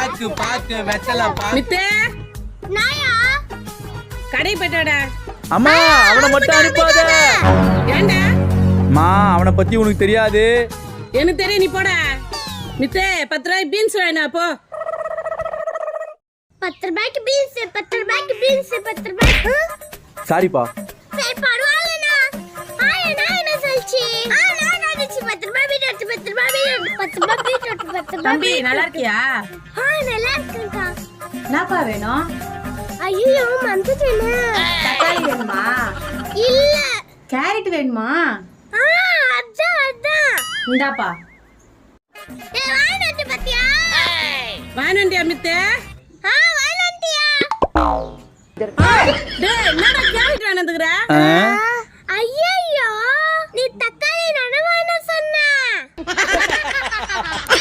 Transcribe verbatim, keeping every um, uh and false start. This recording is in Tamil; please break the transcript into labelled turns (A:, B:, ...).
A: பாக்கு பாக்கு வெத்தல பாக்கு
B: மித்தே
C: நாயா
B: கடை போய்டா.
D: அம்மா அவனை மட்டும் அனுப்பாத.
B: ஏண்டா?
D: அம்மா அவனை பத்தி உனக்கு தெரியாது.
B: எனக்கு தெரியும், நீ போடா. மித்தே பத்து ரூபாய் பீன்ஸ் வேணா போ.
C: பத்து ரூபாய்க்கு பீன்ஸ், பத்து ரூபாய்க்கு பீன்ஸ், பத்து ரூபாய்க்கு.
D: சாரிப்பா.
C: சரி பரவாயில்லண்ணா. ஆயா நான் என்ன சொல்லிச்சு? ஆ நான் நினைச்சு பத்து ரூபாய் பீட், பத்து ரூபாய் பீட், பத்து ரூபாய் பீட், பத்து ரூபாய்.
B: தம்பி நல்லா இருக்கியா?
C: ஆ நல்லா இருக்கேன்க்கா.
E: என்னப்பா வேணும்?
C: ஐயோ மறந்துட்டேனே.
E: தக்காளி வேணுமா?
C: இல்ல.
E: கேரட் வேணுமா?
C: ஆ அதான் அதான்.
E: இந்தாப்பா.
C: ஏய் வாங்கிட்டு பாத்தியா?
B: வாங்கிட்டியா மித்தே?
C: ஆ வாங்கிட்டியா?
B: டேய் என்னடா கேரட் வாங்கிட்டுக்கற?
C: ஐயோ நீ தக்காளி நனவான சொன்ன.